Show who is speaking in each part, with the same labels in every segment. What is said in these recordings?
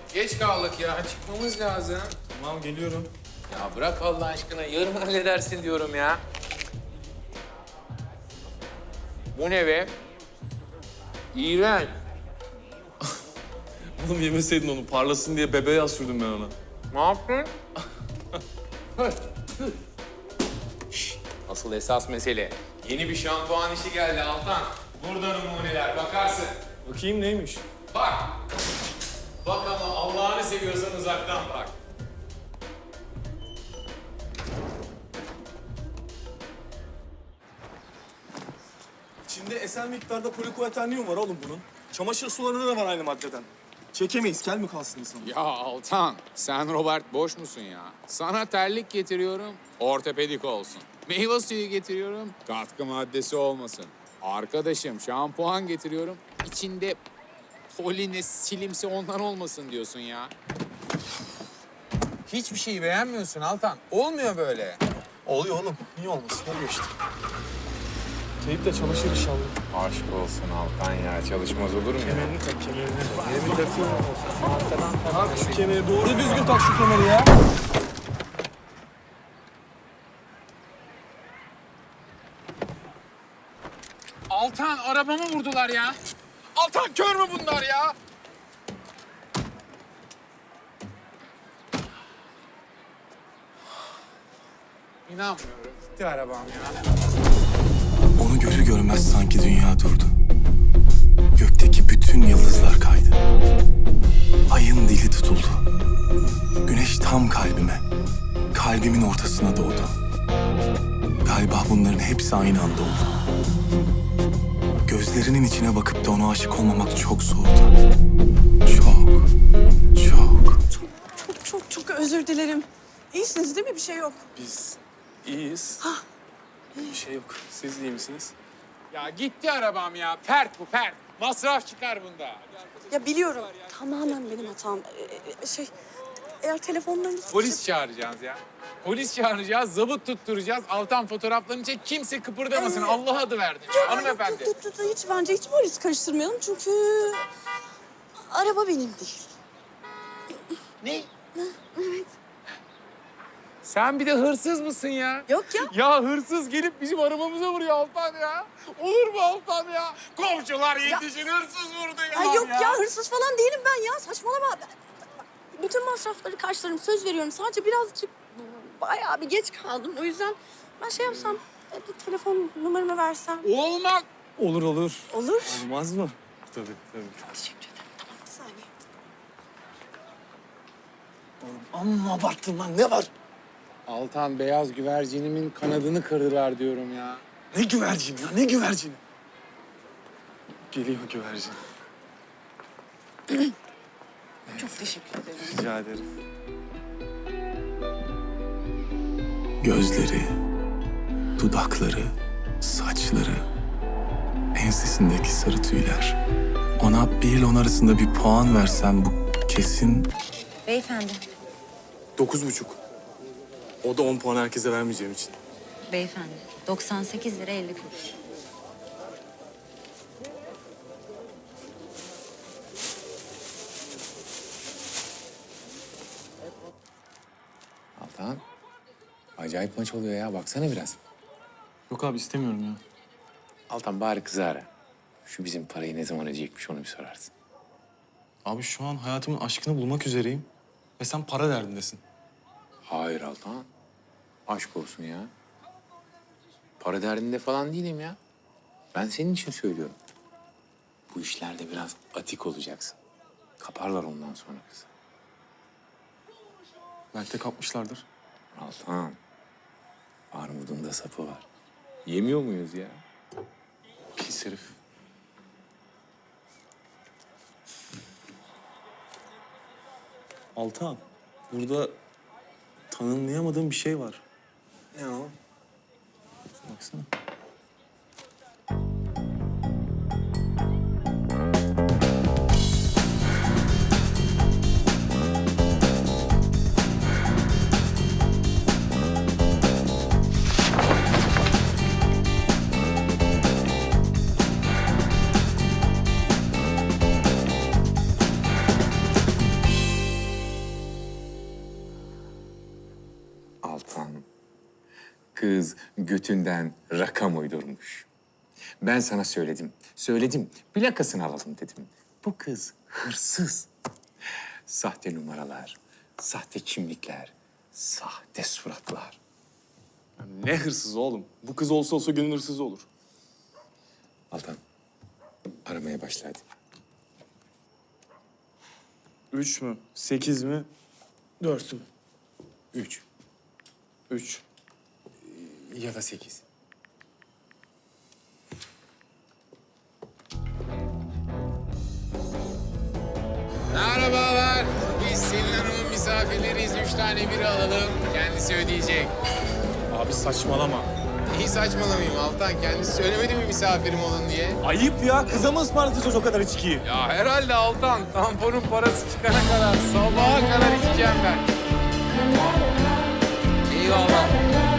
Speaker 1: Geç kaldık ya. Çıkmamız lazım.
Speaker 2: Tamam geliyorum.
Speaker 1: Ya bırak Allah aşkına. Yarın halledersin diyorum ya. Bu ne be? İğrenç.
Speaker 2: Oğlum yemeseydin onu. Parlasın diye bebeğe yağ sürdüm ben ona.
Speaker 1: Ne yaptın? Asıl esas mesele. Yeni bir şampuan işi geldi Altan. Burada numuneler. Bakarsın.
Speaker 2: Bakayım neymiş?
Speaker 1: Bak. Bak ama Allah'ını seviyorsan uzaktan bak.
Speaker 2: İçinde eser miktarda polikoeternium var oğlum bunun. Çamaşır sularında da var aynı maddeden. Çekemeyiz, kel mi kalsın insan?
Speaker 1: Ya Altan, sen Robert boş musun ya? Sana terlik getiriyorum, ortopedik olsun. Meyve suyu getiriyorum, katkı maddesi olmasın. Arkadaşım şampuan getiriyorum, içinde poline, silimsi ondan olmasın diyorsun ya. Hiçbir şeyi beğenmiyorsun Altan. Olmuyor böyle.
Speaker 2: Oluyor oğlum. Niye olmasın? Oluyor işte. Teyip de çalışır inşallah.
Speaker 1: Aşk olsun Altan ya, çalışmaz olur mu ya?
Speaker 2: Kemerini tak, kemerini. Kemerini takıyorum. Tak şu kemeri. Doğru düzgün tak şu kemeri ya.
Speaker 1: Altan, arabamı vurdular ya. Altan, kör mü bunlar ya? İnanmıyorum. Gitti arabam ya.
Speaker 3: Onu görür görmez sanki dünya durdu. Gökteki bütün yıldızlar kaydı. Ayın dili tutuldu. Güneş tam kalbime, kalbimin ortasına doğdu. Galiba bunların hepsi aynı anda oldu. Gözlerinin içine bakıp da ona aşık olmamak çok zordu. Çok, çok.
Speaker 4: Çok özür dilerim. İyisiniz değil mi? Bir şey yok.
Speaker 2: Biz iyiyiz. Bir şey yok. Siz iyi misiniz?
Speaker 1: Ya gitti arabam ya. Pert bu, pert. Masraf çıkar bunda.
Speaker 4: Ya biliyorum. Tamamen benim hatam. Eğer telefonlarınız...
Speaker 1: Polis çağıracağız ya. Polis çağıracağız, zabıt tutturacağız. Altan fotoğraflarını çek, kimse kıpırdamasın. Allah adı verdi. Hanımefendi.
Speaker 4: Bence hiç polis karıştırmayalım çünkü... Araba benim değil.
Speaker 1: Ne? Sen bir de hırsız mısın ya?
Speaker 4: Yok ya.
Speaker 1: Ya hırsız gelip bizim arabamıza vuruyor Altan ya. Olur mu Altan ya? Komşular yetişin, hırsız vurdu ya.
Speaker 4: Ya yok ya hırsız falan değilim ben ya. Saçmalama. Bütün masrafları karşılarım. Söz veriyorum. Sadece birazcık bayağı bir geç kaldım. O yüzden ben şey yapsam, bir telefon numaramı versem.
Speaker 1: Olmak.
Speaker 2: Olur olur.
Speaker 4: Olur.
Speaker 2: Olmaz mı? Tabii tabii.
Speaker 4: Teşekkür ederim. Tamam, bir saniye.
Speaker 2: Amma abarttın lan, ne var?
Speaker 1: Altan, beyaz güvercinimin kanadını kırdılar diyorum ya.
Speaker 2: Ne güvercin ya, ne güvercini? Geliyor güvercin.
Speaker 4: Çok teşekkür ederim.
Speaker 2: Rica ederim.
Speaker 3: Gözleri, dudakları, saçları, ensesindeki sarı tüyler. Ona 1 ile 10 arasında bir puan versem bu kesin
Speaker 5: Beyefendi,
Speaker 2: 9,5. O da 10 puan herkese vermeyeceğim için.
Speaker 5: beyefendi. 98 lira 50 kuruş.
Speaker 1: Altan, acayip maç oluyor ya. Baksana biraz.
Speaker 2: Yok abi istemiyorum ya.
Speaker 1: Altan, bari kızı ara. Şu bizim parayı ne zaman ödeyecekmiş onu bir sorarsın.
Speaker 2: Abi şu an hayatımın aşkını bulmak üzereyim. Ve sen para derdindesin.
Speaker 1: Hayır Altan. Aşk olsun ya. Para derdinde falan değilim ya. Ben senin için söylüyorum. Bu işlerde biraz atik olacaksın. Kaparlar ondan sonra kızı.
Speaker 2: Belki de kapmışlardır.
Speaker 1: Altan. Armudun da sapı var. Yemiyor muyuz ya?
Speaker 2: Pis herif. Altan, burada tanımlayamadığım bir şey var. Ne o? Baksana.
Speaker 1: Kız götünden rakam uydurmuş. Ben sana söyledim. Söyledim. Plakasını alalım dedim. Bu kız hırsız. Sahte numaralar, sahte kimlikler, sahte suratlar.
Speaker 2: Ne hırsız oğlum? Bu kız olsa olsa gönül hırsızı olur.
Speaker 1: Altan, aramaya başla hadi.
Speaker 2: 3 mü? 8 mi? 4 mü?
Speaker 1: 3
Speaker 2: 3.
Speaker 1: ya da 8. Merhabalar. Biz Selin Hanım'ın misafirleriyiz. 3 tane biri alalım. Kendisi ödeyecek.
Speaker 2: Abi saçmalama.
Speaker 1: İyi saçmalamayayım Altan. Kendisi söylemedi mi misafirim olun diye?
Speaker 2: Ayıp ya. Kıza mı ısmarlatacağız o kadar içkiyi?
Speaker 1: Ya herhalde Altan. Tamponun parası çıkana kadar sabaha kadar içeceğim ben. Eyvallah.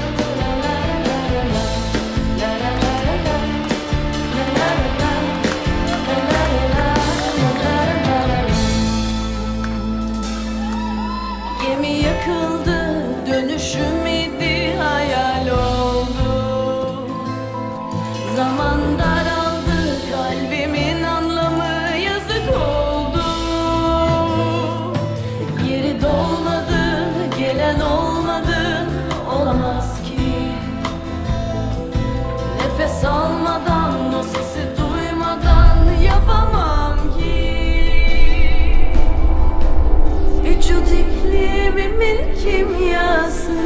Speaker 6: Gemi yakıldı, dönüşüm idi, hayal oldu. Zaman daraldı, kalbimin anlamı yazık oldu. Yeri dolmadı, gelen olmadı, olamaz ki. Nefes almadan, o sesi duymadan yapamam ki. Vücut iklimimin kimyası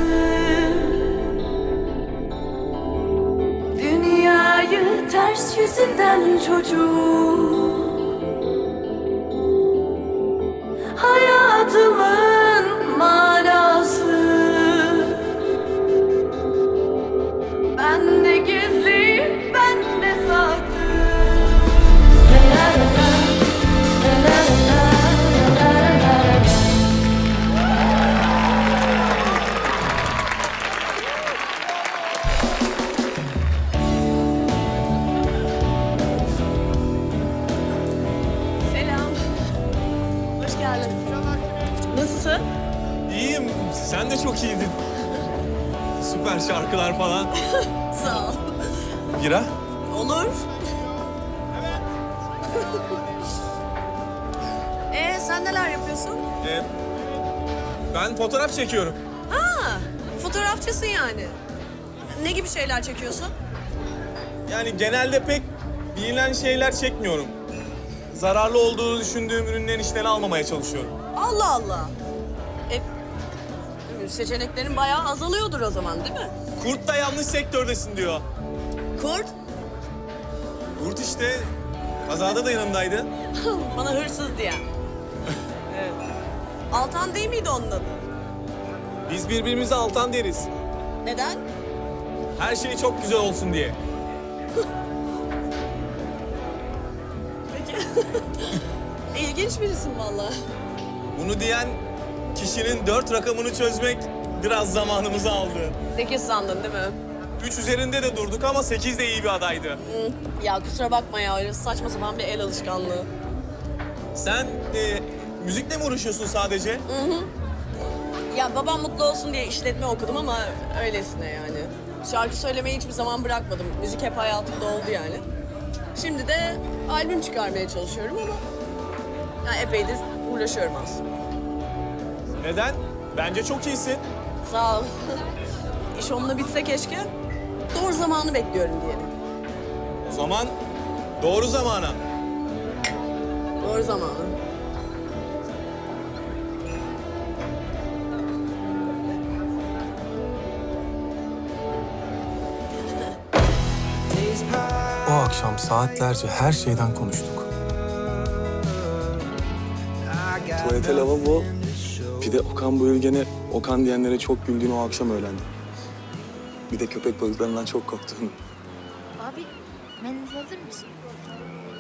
Speaker 6: dünyayı ters yüzünden çocuk hayatımın manası bende gizli, bende saklı.
Speaker 4: Selam. Hoş geldin. Nasılsın?
Speaker 2: İyiyim. Sen de çok iyiydin. Süper şarkılar falan.
Speaker 4: Sağ ol.
Speaker 2: Bira?
Speaker 4: Olur. Sen neler yapıyorsun?
Speaker 2: Ben fotoğraf çekiyorum.
Speaker 4: Ha, fotoğrafçısın yani. Ne gibi şeyler çekiyorsun?
Speaker 2: Yani genelde pek bilinen şeyler çekmiyorum. Zararlı olduğunu düşündüğüm ürünlerin işlerini almamaya çalışıyorum.
Speaker 4: Allah Allah. Seçeneklerin bayağı azalıyordur o zaman değil mi?
Speaker 2: Kurt da yanlış sektördesin diyor.
Speaker 4: Kurt,
Speaker 2: Kurt işte kazada da yanındaydı.
Speaker 4: bana hırsız diyen. Evet. Altan değil miydi onun adı?
Speaker 2: Biz birbirimize Altan deriz.
Speaker 4: Neden?
Speaker 2: Her şey çok güzel olsun diye.
Speaker 4: Peki. İlginç birisin vallahi.
Speaker 2: Bunu diyen kişinin 4 rakamını çözmek biraz zamanımızı aldı.
Speaker 4: 8 sandın değil mi?
Speaker 2: 3 üzerinde de durduk ama 8 de iyi bir adaydı.
Speaker 4: Hı. Ya kusura bakma ya, öyle saçma sapan bir el alışkanlığı.
Speaker 2: Sen müzikle mi uğraşıyorsun sadece?
Speaker 4: Ya babam mutlu olsun diye işletme okudum ama öylesine yani. Şarkı söylemeyi hiçbir zaman bırakmadım. Müzik hep hayatımda oldu yani. Şimdi de albüm çıkarmaya çalışıyorum ama ya epeydir uğraşıyorum aslında.
Speaker 2: Neden? Bence çok iyisin.
Speaker 4: Sağ ol. İş onunla bitse keşke. Doğru zamanı bekliyorum diyelim.
Speaker 2: O zaman doğru zamana.
Speaker 4: Doğru zamanı.
Speaker 3: O akşam saatlerce her şeyden konuştuk.
Speaker 2: Tuvalete lavabo. Bir de Okan Bayülgen'e Okan diyenlere çok güldüğünü o akşam öğrendim. Bir de köpek balıklarından çok korktuğunu.
Speaker 7: Abi, mendil alır mısın?